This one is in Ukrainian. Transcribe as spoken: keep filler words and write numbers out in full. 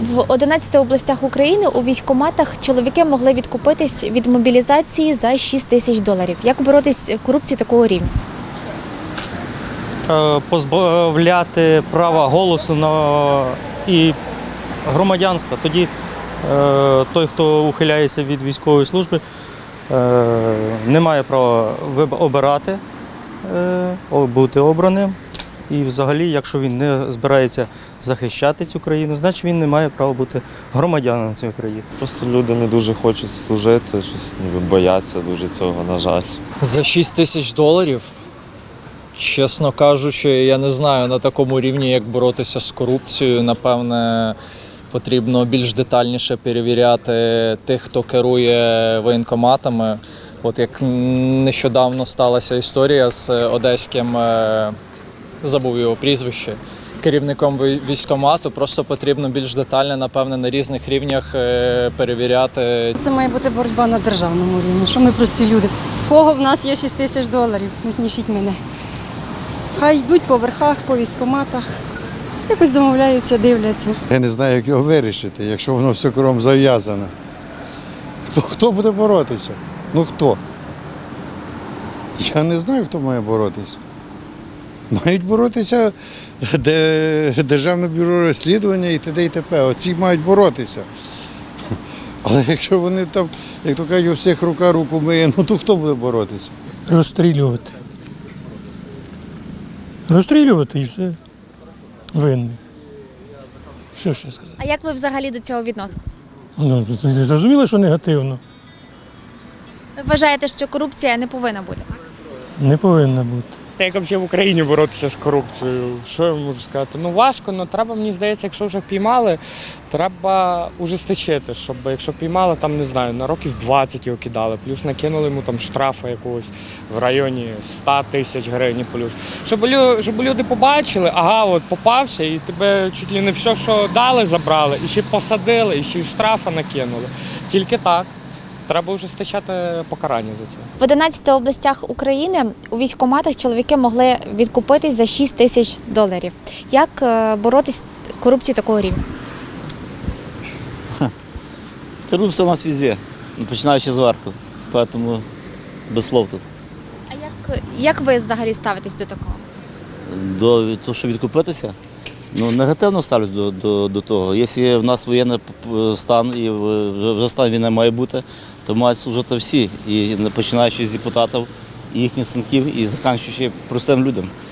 В одинадцяти областях України у військкоматах чоловіки могли відкупитись від мобілізації за шість тисяч доларів. Як боротись з корупцією такого рівня? Е, Позбавляти права голосу на і громадянства. Тоді е, той, хто ухиляється від військової служби, е, не має права виб- обирати, е, о- бути обраним. І взагалі, якщо він не збирається захищати цю країну, значить він не має права бути громадянином цієї країни. Просто люди не дуже хочуть служити, щось ніби бояться дуже цього, на жаль. За шість тисяч доларів, чесно кажучи, я не знаю на такому рівні, як боротися з корупцією. Напевне, потрібно більш детальніше перевіряти тих, хто керує воєнкоматами. От як нещодавно сталася історія з одеським, е, забув його прізвище, керівником вій- військкомату, просто потрібно більш детально, напевне, на різних рівнях е, перевіряти. Це має бути боротьба на державному рівні, що ми прості люди. В кого в нас є шість тисяч доларів, не смішіть мене. Хай йдуть по верхах, по військкоматах, якось домовляються, дивляться. Я не знаю, як його вирішити, якщо воно все кругом зав'язане. Хто, хто буде боротися? Ну хто? Я не знаю, хто має боротися. Мають боротися де, Державне бюро розслідування і т.д. і т.п. Оці мають боротися. Але якщо вони там, як то кажуть, у всіх рука руку миє, ну то хто буде боротися? Розстрілювати. Розстрілювати і все. Винний. Що ще сказати? А як ви взагалі до цього відноситесь? Ну, зрозуміло, що негативно. Ви вважаєте, що корупція не повинна бути? Не повинна бути. Як взагалі в Україні боротися з корупцією? Що я можу сказати? Ну важко, але треба, мені здається, якщо вже впіймали, треба ужесточити, щоб якщо піймали, там, не знаю, на років двадцять його кидали, плюс накинули йому там штрафу якогось в районі сто тисяч гривень плюс. Щоб, лю- щоб люди побачили, ага, от попався, і тебе чуть ли не все, що дали, забрали, і ще посадили, і ще й штрафа накинули. Тільки так. Треба ужесточати покарання за це. В одинадцяти областях України у військкоматах чоловіки могли відкупитись за шість тисяч доларів. Як е, боротись з корупцією такого рівня? Коррупция у нас везде, починаючи з верху, поэтому без слов тут. А як, як ви взагалі ставитесь до такого? До того, що відкупитися, ну, негативно ставлюсь до, до, до того. Якщо в нас воєнний стан і вже стан війни має бути, то мають служити всі, і починаючи з депутатів, і їхніх синків, і закінчуючи простим людям.